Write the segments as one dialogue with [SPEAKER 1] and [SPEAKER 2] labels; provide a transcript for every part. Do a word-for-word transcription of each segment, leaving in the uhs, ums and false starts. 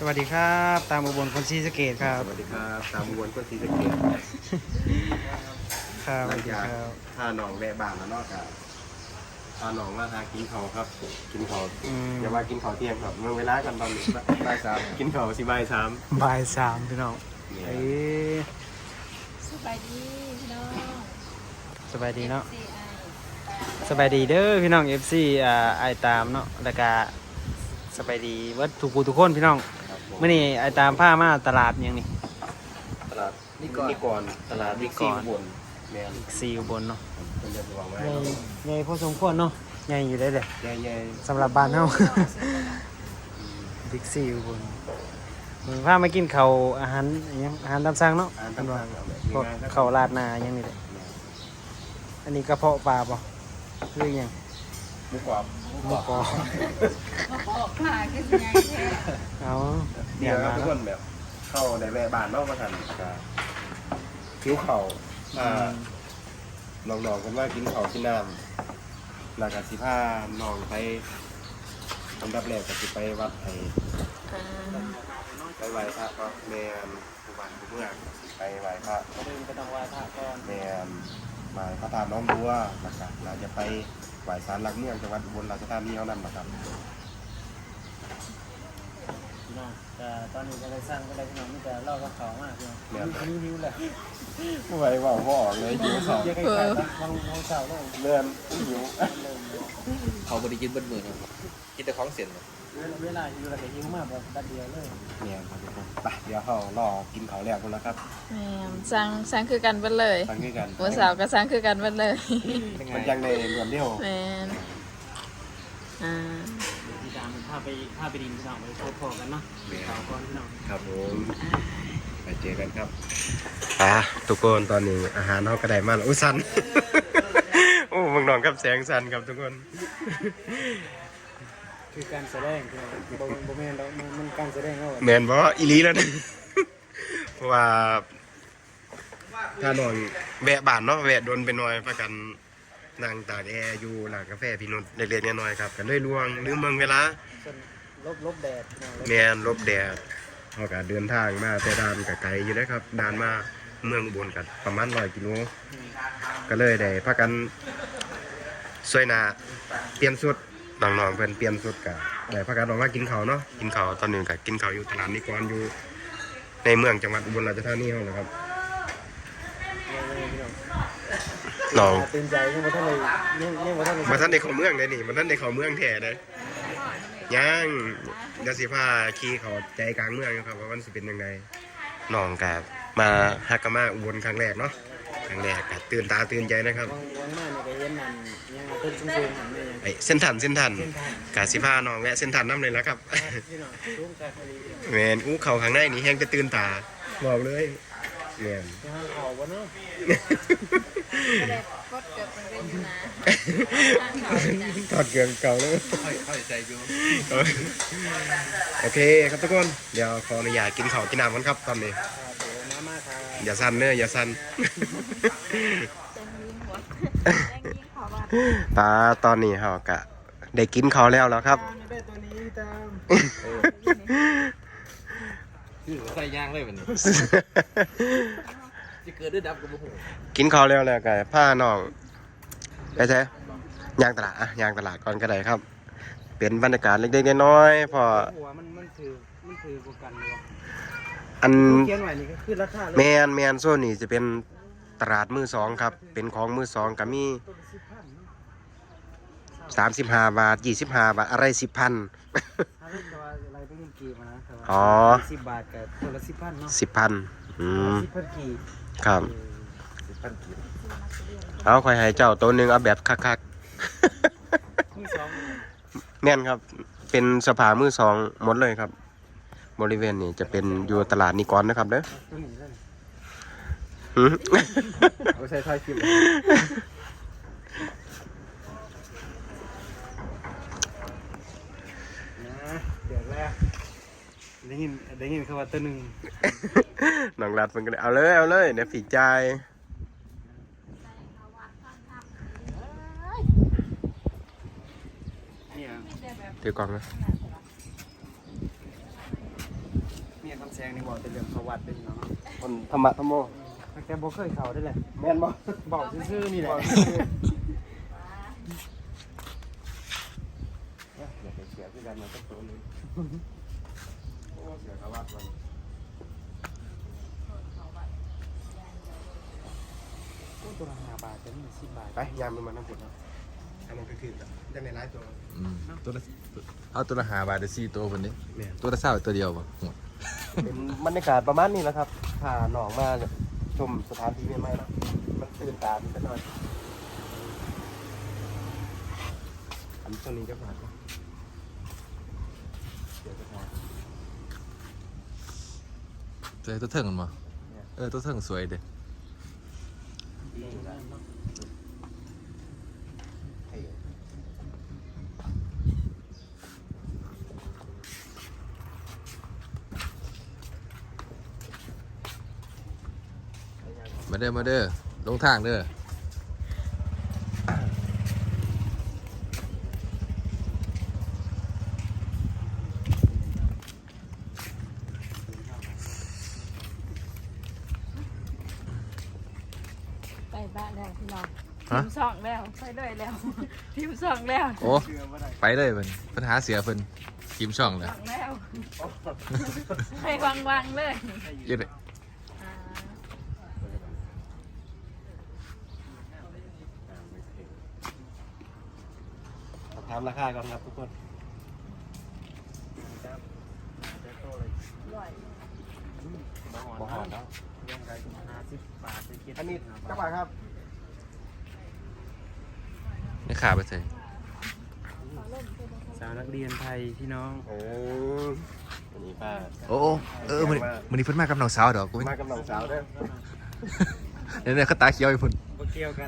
[SPEAKER 1] สวัสดีครับตามอุบลคนศรีสะเกษครับ
[SPEAKER 2] สวัสดีครับตามวนก็สีสะเกต
[SPEAKER 1] ครับส
[SPEAKER 2] หลั
[SPEAKER 1] วั
[SPEAKER 2] ง
[SPEAKER 1] สดี
[SPEAKER 2] จาก
[SPEAKER 1] ครับ
[SPEAKER 2] พาหนองแวะบ้านแล้วเนอกจากพาหนองมาทางกินเขาวครับ กินเขาว
[SPEAKER 1] อืม
[SPEAKER 2] อย่าว่ากินเขาวเที่ยงครับเมื่อเวลากันตอนนี้บ่ายสามกินเขาวสิบ่ายสาม
[SPEAKER 1] บ่ายสามพี่น้อง
[SPEAKER 2] เนี่ย
[SPEAKER 1] เอ้ย
[SPEAKER 3] สบายดีพี่น้อง
[SPEAKER 1] สบายดีเนาะ
[SPEAKER 3] ซีไอ
[SPEAKER 1] สบายดีเด้อพี่น้อง เอฟ ซี อ่าไอตามเนาะแล้วก็สบายดีเวัดทุกผู้ทุกคนพี่น้อง
[SPEAKER 2] ครับผม
[SPEAKER 1] เมื่อนี้ไอตามผ้ามาตลาดหยังนี่
[SPEAKER 2] ตลาดนิกรนิกรตลาดนิกรบนแมน
[SPEAKER 1] ซีอุบลเนาะ
[SPEAKER 2] เป็นเดือนระวังไว้
[SPEAKER 1] ใหญ่ใหญ่พอสมควรเนาะใหญ่อยู่ได้เลย
[SPEAKER 2] ใหญ่
[SPEAKER 1] สำหรับบ้านเฮา บิ๊กซีอุบลมึงพามากินข้าวอาหารอิหยังอาหารตามสั่งเนาะ
[SPEAKER 2] ๆอ่าน
[SPEAKER 1] อัน
[SPEAKER 2] ตำ
[SPEAKER 1] ว่า
[SPEAKER 2] ราเอาแบบ
[SPEAKER 1] พวก
[SPEAKER 2] ง่ายๆครับ
[SPEAKER 1] ข้าวราดหนาอยังนี่แหละอันนี้กระเพาะปลาป่ะคืออหยัง
[SPEAKER 2] หมูกรอบ
[SPEAKER 1] หมูกรอบ
[SPEAKER 3] มาพอกผ่าขึ้นไงแท้
[SPEAKER 1] เอา
[SPEAKER 2] เดี๋ยวครับทุกคนแบบเข้าในแวะบ้านเนอกมาทันก็คิ้วเข่าอ่า น้องๆกันว่ากินข้าวกินน้ำหลังจากสิผ้าน้องไปอันดับแรกก็สิไปวัดไอ้ไปไหว้พระก็แมนผู้บ้านผู้เมืองสิไปไหว้พระ
[SPEAKER 1] ก็ดึงก็ต้องไหว้พระก่อน
[SPEAKER 2] แมนไหว้พระธาตุน้องบัวแล้วก็เราจะไปไหว้ศาลหลักเมืองจังหวัดอุบลราชธานีเท่านั้นนะครับ
[SPEAKER 1] พี่น้องแต่ตอนนี้ก็ได้สร้างก็ได้พี่น้องมีแต่เล่ากับเขามากพี่น้อง
[SPEAKER 2] แม่น
[SPEAKER 1] หิวหิวแหละ
[SPEAKER 2] ไม่ไหวว่าบ่ออกเลยหิวข้าว
[SPEAKER 1] เยอะใกล้ๆนะบางบางเสาร์เลย
[SPEAKER 2] เลื่อนหิว
[SPEAKER 1] เริ่มเลย
[SPEAKER 4] เขาบริกินเบิ้ลมือครับกินแต่ของเสียนครับ
[SPEAKER 1] เวลาหิวแล้วก็หิวมากแบบดัดเดียวเลย
[SPEAKER 2] เนี่ยครับทุกคนไปเดี๋ยวเขารอกินข้าวแรกกันแล้วครับ
[SPEAKER 3] แม่สั่งสั่งคือกันเบิดเลย
[SPEAKER 2] ฟังด้วยกัน
[SPEAKER 3] หัวสาวก็สั่งคือกันเบิดเลย
[SPEAKER 2] มันยังในรวมเดียว
[SPEAKER 3] แม่นอ่า
[SPEAKER 1] พี่ดามพาไปพาไปดินพี่น้องไปพบพอกันเนาะข่าวก่อนพี่น้อง
[SPEAKER 2] ครับผมไปเจอกันครับอ่ะทุกคนตอนนี้อาหารเขาก็ได้มาแล้วอุ้ยสัน โอ้เมืองนองกับแสงสันครับทุกคน
[SPEAKER 1] คือการแสดงพี่น้องบ่บ่แม่นดอกมันมันการแสดงเอา
[SPEAKER 2] แมนบออีหลีแล้วนะ เพราะว่าถ้านอนแวะบ้านเนาะแวะโดนไปหน่อยประกันนั่งตากแอร์อยู่หลังกาแฟพี่นุชเล็กๆน้อยๆครับกันด้วยลวงลืมเมืองเวลา
[SPEAKER 1] ส่วนลบลบแดดพี่น้องลบ
[SPEAKER 2] แมนลบแดดเขาก็เดินทางมาแต่ด่านกับไกลอยู่นะครับด่านมาเมืองอุบลกันประมาณร้อยกิโลก็เลยได้พากันสวยหนาเปลี่ยนสุดน้องๆเพิ่นเปลี่ยนสุดกันได้พากันออกมากินข้าวเนาะกินข้าวตอนนี้ก็กินข้าวอยู่ตลาดนิกรอยู่ในเมืองจังหวัดอุบลราชธานีเฮานะครับน้อง
[SPEAKER 1] ตื่นใจยังบ่ทันเลยยังยังบ่ทันเลย
[SPEAKER 2] มาท่านในเข้าเมืองเลยนี่มาท่านในเข้าเมืองแท้เลยยังเดี๋ยวสิพาขี่เขาใจกลางเมืองอยู่ครับว่ามันสิเป็นยังไงน้องกับมาฮักกะมาอุบลครั้งแรกเนาะครั้งแรกก็ตื่นตาตื่นใจนะครับ
[SPEAKER 1] วางวางมาเนี่ยก็เห็นนั่นยังเพิ่นสูงๆนั่นนี่ยัง
[SPEAKER 2] ไอ้เส้นทันเส้นทัน
[SPEAKER 1] เส้นทาง
[SPEAKER 2] กาสิพาน้องแวะเส้นทันน้ำเลยแล้วครับ
[SPEAKER 1] พี่น้องสูงกว่าพอดี
[SPEAKER 2] แมนอู้เขาข้างในนี่แห้งจะตื่นตาบอกเลยแมน
[SPEAKER 1] ยังขอบ่เนาะ
[SPEAKER 3] ก็ได้กดเกิดเป็นเรื่องอยู่นะ
[SPEAKER 2] ถอดเกลืองเก่าเลย
[SPEAKER 4] ค่อยค่อยใจอยู่
[SPEAKER 2] โอเคครับทุกคนเดี๋ยวขออนุญาตกินข้าวกินน้ำกันครับตอนนี้
[SPEAKER 1] ครับผมมามาครับ
[SPEAKER 2] อย่าสั่นเนอะอย่าสั่น
[SPEAKER 3] แจ้งยิงหัวแจ้งยิงขอว่า
[SPEAKER 2] ตาตอนนี้เฮากะได้กินข้าวแล้วแล้วครับ
[SPEAKER 1] ตามได้ตัวนี้ตาม
[SPEAKER 4] คือใส่ย่างเลยวันนี้จะเกิดด้วยดับกับโมโห
[SPEAKER 2] กินข้าวแล้วแล้วก็พาน้องไปใช่ย่างตลาดอะย่างตลาดก่อนก็ได้ครับ เป็นบรรยากาศเล็กๆน้อยๆพอ
[SPEAKER 1] หัวมันมันถือมันถือกว่ากันเลย
[SPEAKER 2] อัน
[SPEAKER 1] เขียนไว้นี่ก็คือราคาเลย
[SPEAKER 2] แมนแมนโซนนี่จะเป็นตลาดมือสองครับ เป็นของมือสองก็มี
[SPEAKER 1] ตัวละสิบพันเนาะ
[SPEAKER 2] สามสิบห้าบาทยี่สิบห้าบาทอะไรสิบพัน
[SPEAKER 1] ถ้าเล่นตัวอะไรเป็นเงินกีบอะนะแต่ว่า
[SPEAKER 2] อ๋อ
[SPEAKER 1] สิบบาทกับตัวละสิบพันเนาะ
[SPEAKER 2] สิบพันอืม
[SPEAKER 1] สิบพันกีบ
[SPEAKER 2] ครับ
[SPEAKER 1] สิบพันกีบ
[SPEAKER 2] เอาคอยให้เจ้าตัวหนึ่งเอาแบบคัก
[SPEAKER 1] มือสองเลย
[SPEAKER 2] ๆ แม่นครับ เป็นสภามือสองหมดเลยครับ บริเวณนี้จะเป็นอยู่ตลาดนิกรนะครับเด้อ
[SPEAKER 1] ตัวนี้เลย
[SPEAKER 2] หืม
[SPEAKER 1] เอาใส่ท้ายคลิปนะเดี๋ยวแรกได้ยินได้ยินคำว่าตัวหนึ่ง
[SPEAKER 2] น้องรัดมันก็เลยเอาเลยเอาเลยเดี๋ยวผีใจาย
[SPEAKER 1] เนี่ย
[SPEAKER 2] ถือกล่องนะ
[SPEAKER 1] มีคำแซงนี่บอกแต่เรื่องประวัติเป็นเนาะ
[SPEAKER 2] คนธรรมะธรรมโม
[SPEAKER 1] ตั้งแต่บ่เคยเข้าได้เลย
[SPEAKER 2] แม่นบ่
[SPEAKER 1] บอกซื่อๆนี่แหละ
[SPEAKER 2] อยากไปเสียคือกันมันก็ตัวนึงโอ้เสียกระวัดมัน
[SPEAKER 1] โอ้ตัวละห้าบาทจะมีสิบบาท
[SPEAKER 2] ไปยามมันมาน้ำผุดเนาะอันนั้นก็คือแบบยังในร้ายตัว
[SPEAKER 4] อืมตัวละเอาตัวละห้าบาทได้สี่ตัวคนนี้
[SPEAKER 2] เนี่ย
[SPEAKER 4] ตัวละเศร้าตัวเดียวป่ะ
[SPEAKER 2] เป็นบรรยากาศประมาณนี้แหละครับพาหนองมาชมสถานที่ใหม่ๆเนาะมันตื่นตาดีกันหน่อยอันตรงนี้ก็ผ่านเดี๋ยวจะพา
[SPEAKER 4] เจอตัวเถิงกันมั้เออตัวเถิงสวยเด้ มาเด้อมาเด้อลงทางเด้อ
[SPEAKER 3] ไปบ้านแล้วพี่น้องทีมสองแล้วไปด้วยแล้วทีมสองแล้ว
[SPEAKER 4] โอ้ไปเลยเพิ่นปัญหาเสียเพิ่นทีมช่องเลย
[SPEAKER 3] สองแล้วไปวางวางๆเลย
[SPEAKER 4] เยอะเลย
[SPEAKER 3] อ่า
[SPEAKER 2] ถามราคาก่อนครับทุกคน
[SPEAKER 3] ร่อย
[SPEAKER 2] บ่หอนแล้ว
[SPEAKER 1] ยังไงห้าสิบบาทไปคิด
[SPEAKER 2] อันนี้เจ้าบ่าวครับ
[SPEAKER 4] นี่ขาไปใส่
[SPEAKER 1] สาวนักเรียนไทยพี่น้อง
[SPEAKER 2] เอออันนี้ป้า
[SPEAKER 4] โอ้โอ้เออมันมันนี่เพิ่นมากับน้องสาวดอกกูไม่
[SPEAKER 2] มากับน้องสาวเด้อ
[SPEAKER 4] เนี่ยเนี่ยเขาตาเขียวอยู่เพิ่น
[SPEAKER 1] บ่เกี่ยวกัน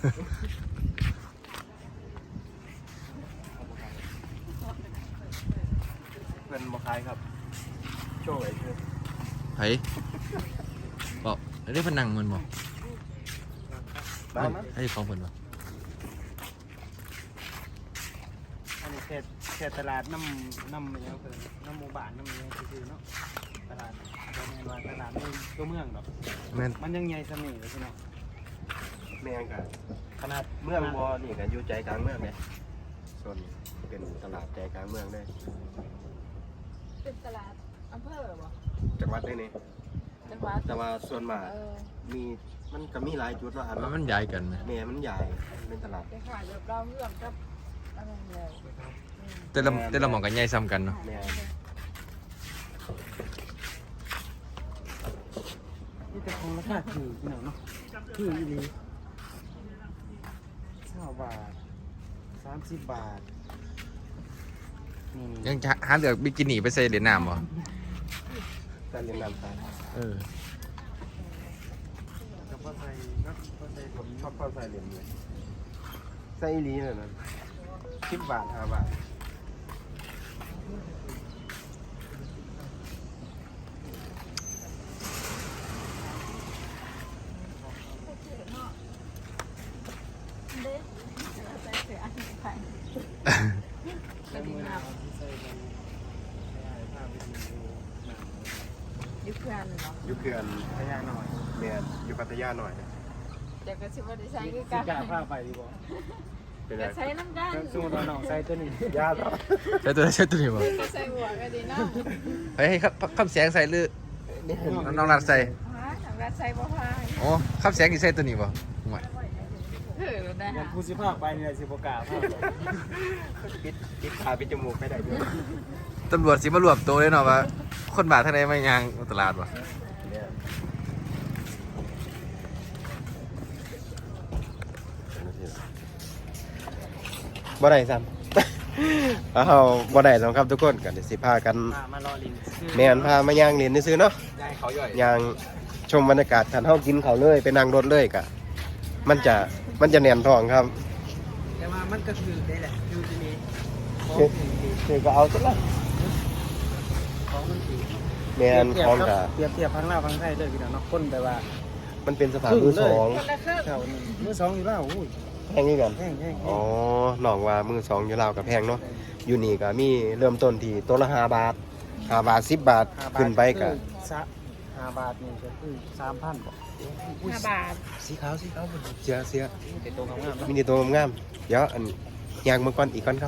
[SPEAKER 2] เพื่อนบ่คายครับ โชว์ไว้คือ
[SPEAKER 4] ไผบอกได้เพิ่นนั่งมันบ่
[SPEAKER 2] มามา
[SPEAKER 4] ให้ของเพิ่นบ่
[SPEAKER 1] อันนี้เขตเขตตลาดน้ำน้ำอะไรเพิ่นน้ำหมู่บ้านน้ำอะไรซื่อๆเนาะตลาดบ่แม่นว่าตลาดในตัวเมืองดอก
[SPEAKER 4] แม่น
[SPEAKER 1] มันยังใหญ่สนิทเลยพี่น้อง
[SPEAKER 2] แม่งกัน
[SPEAKER 1] ขนาด
[SPEAKER 2] เมืองบ่นี่กันอยู่ใจกลางเมืองเนี่ยส่วนเป็นตลาดใจกลางเมืองเลย
[SPEAKER 3] เป็นตลาดอำเภอบ่
[SPEAKER 2] จังหวัดได้นี่
[SPEAKER 3] จังหวัด
[SPEAKER 2] แต่ว่าส่วนมาก
[SPEAKER 3] เออ
[SPEAKER 2] มีมันก็มีหลายจุดว่าอัน
[SPEAKER 4] มัน
[SPEAKER 2] เนาะ
[SPEAKER 4] มันใหญ่กันไหม
[SPEAKER 2] แม่มันใหญ่เป็นตลาด
[SPEAKER 3] ไปขายแบบเราเรื่องกับอะไรเลย
[SPEAKER 4] แต่ละแต่ละหม่องกันใหญ่ซ้ำกันเนาะ
[SPEAKER 2] แม่
[SPEAKER 1] นี่แต่ของราคาถูกพี่น้องเนาะถูกอีหลีเก้าบาทสามสิบบาทนี่
[SPEAKER 4] ยังจะหาเลือกบิกินี่ไปใส่เหรียญน้ำบ่
[SPEAKER 2] แต่เรียนนำสาย
[SPEAKER 4] เออ
[SPEAKER 1] ก็พอใส่เนาะพอใส่
[SPEAKER 2] ผมชอบเข้าใส่เหรียญเลยใส่อีหลีเลยนะสิบบาทห้าบาท
[SPEAKER 3] เด็กเราใส่เสื้ออันนี้ไปกระดิ่งน้ำ
[SPEAKER 1] ใส่กันใส่ผ้าไปดูหนัง
[SPEAKER 3] ยุคเพื่อนเนาะ
[SPEAKER 2] อยู่เขื่อน
[SPEAKER 1] พยาหน่อย
[SPEAKER 2] แม่อยู่พัทยาหน่อย
[SPEAKER 3] เดี๋ยวก็ชิบว่าได้ใช้
[SPEAKER 1] สิ
[SPEAKER 3] คือกัน
[SPEAKER 1] กล้าผ้าไปดีบ่
[SPEAKER 2] เป็นไร
[SPEAKER 3] จะใช้น้ำกัน
[SPEAKER 1] สู้เราหนองใส่ตัวนี้
[SPEAKER 2] ยาต่อ
[SPEAKER 4] ใส่ตัวไหนใส่ตัวนี้บ่
[SPEAKER 3] จะใส่หัวก็ดีเนาะ
[SPEAKER 4] เฮ้ยให้คำคำแสงใส่หรือ
[SPEAKER 2] นี่
[SPEAKER 4] น้องรัดใส่
[SPEAKER 3] ฮะทำการใส่บ่พาย
[SPEAKER 4] อ๋อคำแสงนี่ใส่ตัวนี้บ่ห่วย
[SPEAKER 3] ถือได้
[SPEAKER 1] อยา
[SPEAKER 3] ฮะ
[SPEAKER 1] กพูดสิภาคไปนี่แหละสิบ่กล้าภาค
[SPEAKER 2] ปิดปิดขาปิดจมูกไปได้ด้วย
[SPEAKER 4] ตำรวจสิมารวบตัวเลยเนาะว่าคนบาททางใดมายางตลาดบ่
[SPEAKER 2] เนี่ยบ่ได้ซ้ำ เอาบ่ได้ซ้ำครับทุกคนกันเดี๋ยวสิพากัน
[SPEAKER 1] มามารอลิน
[SPEAKER 2] แม่นพามาย่างเรียนซื้อๆเนาะ
[SPEAKER 4] ยายเขาย่อย
[SPEAKER 2] ย่างชมบรรยากาศทันเฮากินเขาวเลยไปนั่งรถเลยกะมันจะมันจะแน่นท้องครับ
[SPEAKER 1] แต่ว่ามันก็คือได้แหละคือจะมีของ
[SPEAKER 2] คือ
[SPEAKER 1] ถือดี
[SPEAKER 2] คือก็เอาซะละ
[SPEAKER 1] ของมันถือ
[SPEAKER 2] แม่นของกะ
[SPEAKER 1] เปรียบเทียบพังลาวพังไทยเลยพี่น้องเนาะคนแต่ว่า
[SPEAKER 2] มันเป็นสถานมือสอง
[SPEAKER 3] คนละครึ่ง
[SPEAKER 1] แถวนี้มือสองอยู่แล้วอุ้ย
[SPEAKER 2] แพงนี่กัน
[SPEAKER 1] แห้งแห้ง
[SPEAKER 2] อ๋อน้องว่ามือสองอยู่ลาวกับแพงเนาะอยู่นี่ก็มีเริ่มต้นที่ตัวละห้าบาทห้าบาทสิบบาทขึ้นไปก็
[SPEAKER 1] สะห้าบาทนี่ก็คือสามพันบ่
[SPEAKER 3] ห้าบาท
[SPEAKER 2] สีขาวสีขาวเสียเสีย
[SPEAKER 1] เป็นตัวงามๆเนาะ
[SPEAKER 2] มีแต่ตัวงามเดี๋ยวอันยางมือก่อนอีกก่อนครับ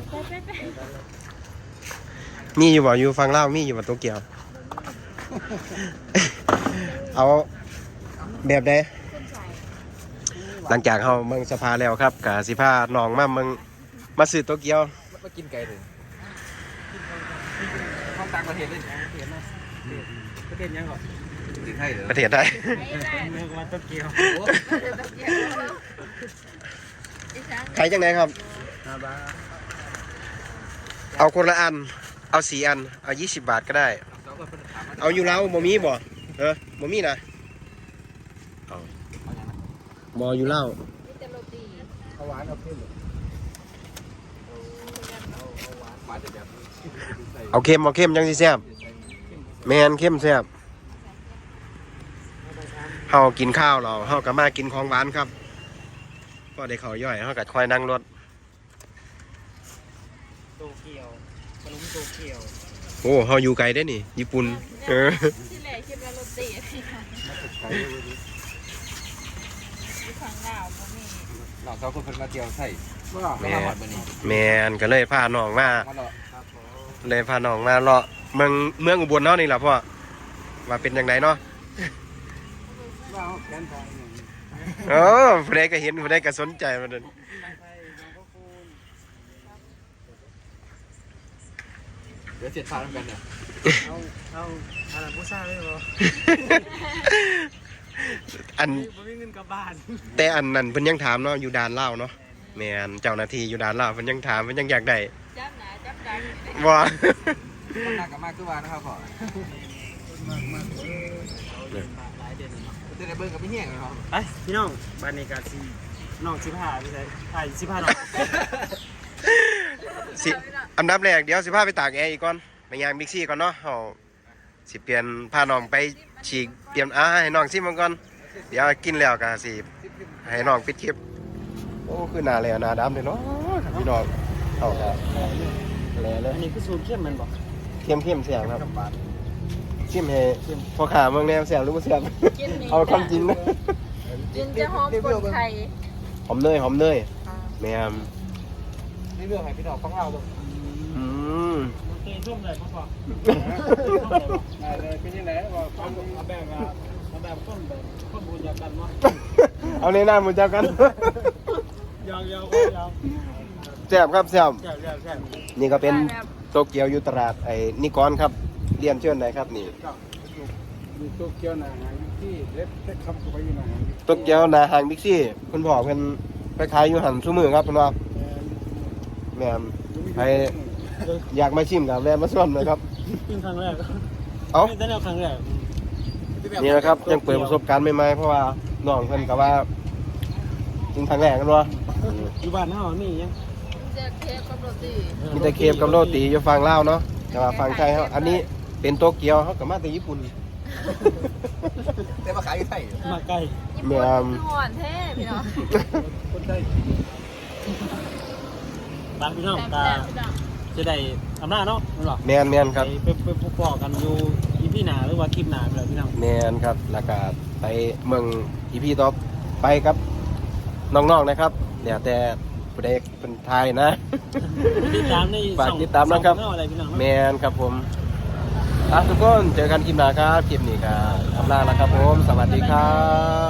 [SPEAKER 2] มีอยู่บ่อยู่ฟังเล่าวมีอยู่บ่โตเกียว เอาแบบใดหลังจากเฮาเมืองสภาแล้วครับกะสิพาน้องมาเมืองมาซื้อโตเกียว
[SPEAKER 4] มากินไก่เลยห้องต่างประเทศเลย
[SPEAKER 1] ประเทศยังก่อน
[SPEAKER 4] ที่ไทยเหรอ
[SPEAKER 2] ประเทศไทย
[SPEAKER 1] เมืองวัดโตเกียว
[SPEAKER 2] ขายจังไดครับ
[SPEAKER 1] ห้าบาท
[SPEAKER 2] เอาคนละอัน เอาสี่อัน เอายี่สิบบาทก็ได้ เอาอยู่แล้วบ่มีบ่เออบ่มีนะเอาบ่อยู่แล้ว
[SPEAKER 3] มีแต่โรตี
[SPEAKER 1] เอาหวานเอาเค็ม
[SPEAKER 4] มาจะแบบ
[SPEAKER 2] เอาเค็มเอาเค็มจังสิแซ่บแมนเค็มแซ่บเฮากินข้าวเราเฮาก็มากินของหวานครับพอได้ข้าวย่อยเฮาก็คอยนั่งรถ
[SPEAKER 1] โตเกียวขนมโตเกียว
[SPEAKER 2] โอ้เฮาอยู่ไกลได้นี่ญี่ปุ่นเออ
[SPEAKER 3] ที่แรกคิดว่าโรตีที่ฝั่งลาวบ่มี
[SPEAKER 4] หลอกเขาคนเพิ่นมาเที่ยวไทย
[SPEAKER 1] ว่า
[SPEAKER 4] แม่หอดมื้อนี้
[SPEAKER 2] แมนก็เลยพาน้องมา
[SPEAKER 4] มาเลาะ
[SPEAKER 1] ครับผม
[SPEAKER 2] เลยพาน้องมาเลาะเมืองเมืองอุบลเนาะนี่ล่ะพ่อว่าเป็นจังไดเนาะ
[SPEAKER 1] ว่าเอาแกนไทยหนึ่ง
[SPEAKER 2] เออผู้ใดก็เห็นผู้ใดก็สนใจมันนั่น
[SPEAKER 1] ไทยน้องก็คูณ
[SPEAKER 4] เดี๋ยวเจ็ดพากันเนี่ย
[SPEAKER 1] เอาเอาอะไรผู้ชายเลยบ่
[SPEAKER 2] อัน
[SPEAKER 1] บ่มีเงินกลับบ้าน
[SPEAKER 2] แต่อันนั้นเพิ่นยังถามเนาะอยู่ด่านลาวเนาะแม่นเจ้าหน้าที่อยู่ด่านลาวเพิ่นยังถามเพิ่นยังอยากได้
[SPEAKER 3] จับหนาจับดัง
[SPEAKER 2] บ่
[SPEAKER 4] คนหนักกับมากคือว่านะครับพ่อ
[SPEAKER 1] มากมากเออเอาเดือนบาทหลายเดือนเนาะ
[SPEAKER 4] จะได้เบิ่งกับพี่แห้งเลยครับ
[SPEAKER 1] ไปพี่น้องบ้านนี้ก็สิน้องสิพาไปใส่ไทยสิพาน้อง
[SPEAKER 2] สิอันดับแรกเดี๋ยวสิพาไปตากแอร์อีกก่อนไปย่างบิ๊กซีก่อนเนาะเฮาสิเปลี่ยนพาน้องไปฉีกเปลี่ยนอ่าให้น้องซิมมันก่อนเดี๋ยวกินแล้วก็สิให้น้องปิดคลิปโอ้คือหน้าแลหน้าดำเลยเนาะพี่น้องเอาครับแลเลย
[SPEAKER 1] อันนี้คือสูตรเข้มมันบ่
[SPEAKER 2] เข้มเข้มๆเสียงครับเข้มให้พอขาเมืองแนวเสียงรู้บ่เสียง
[SPEAKER 3] กินนี่
[SPEAKER 2] เอาความจริงนะ
[SPEAKER 3] กินจะหอมคนไทย
[SPEAKER 2] หอมเนยหอมเนยแม่ม
[SPEAKER 4] นี่เรื่องให้พี่น้องฟังเล่าดู
[SPEAKER 2] อืม
[SPEAKER 1] มันเตะช่วงเลยพ่อได้เลยเป็นยังไงว่าความเอาแบบว่าเอาแบบต้นแบบต้นบูญยากันเนาะ
[SPEAKER 2] เอาในหน้ามือเจ้ากัน
[SPEAKER 1] ยาวยาวก็ยาว
[SPEAKER 2] แซ่บครับแซ่บ
[SPEAKER 1] แซ่บแซ่บแซ่บ
[SPEAKER 2] นี่ก็เป็นโตเกียวอยู่ตลาดไอ้นิกรครับเรียนเชิญไหนครับนี่
[SPEAKER 1] มีโตเกียวหนาหางที่เล็บเล็บคำเข้าไปอยู่หนาหาง
[SPEAKER 2] โตเกียวหนาหางบิ๊กซี่คุณพ่อเพิ่นไปขายอยู่หันซุมือครับเพิ่นว่าแม่มใครอยากมาชิมกับแวะมาส่วนเลยครับ
[SPEAKER 1] กินครั้งแรก
[SPEAKER 2] เอ้า
[SPEAKER 1] แต่แนวครั้งแรก
[SPEAKER 2] นี่นะครับยังเปิดประสบการณ์ใหม่ๆเพราะว่าน้องเพิ่นก็ว่ากินครั้งแรกกันว่า
[SPEAKER 1] อยู่บ้านเฮานี่ยัง
[SPEAKER 3] จะเค้กกับโรตี
[SPEAKER 2] มีแต่เคฟกับโรตีอยู่ฝั่งลาวเนาะแต่ว่าฝั่งไทยเฮาอันนี้เป็นโตเกียวเฮาก็มาแต่ญี่ปุ่น
[SPEAKER 4] แต่มาขายอยู่ไทย
[SPEAKER 1] มาใกล้
[SPEAKER 3] ญี่ปุ่นคือหวานแท้พี่น้อง
[SPEAKER 1] คนใกล้บ้านพี่น้อง
[SPEAKER 3] แซ่บ
[SPEAKER 1] ตา
[SPEAKER 3] ๆพี่น้อง
[SPEAKER 1] จะได้อำนาจเนาะนั่นหรอ
[SPEAKER 2] แม่นแม่นครับ
[SPEAKER 1] ไปไปไปพบปอกันอยู่อีพี่หนาหรือว่าคลิปหนาไปเลยพี่น้อง
[SPEAKER 2] แม่นครับแล้วก็ไปเมืองอีพีต่อไปครับน้องๆนะครับเดี๋ยวแต่ผู้ใดเป็นไทยนะ
[SPEAKER 1] ติดตามใน
[SPEAKER 2] ฝากติดตามนะครับ
[SPEAKER 1] ช่องอะไรพี่น้อง
[SPEAKER 2] แมนครับผมอ่ะทุกคนเจอกันคลิปหน้าครับคลิปนี้ครับทำลาแล้วครับผมสวัสดีครับ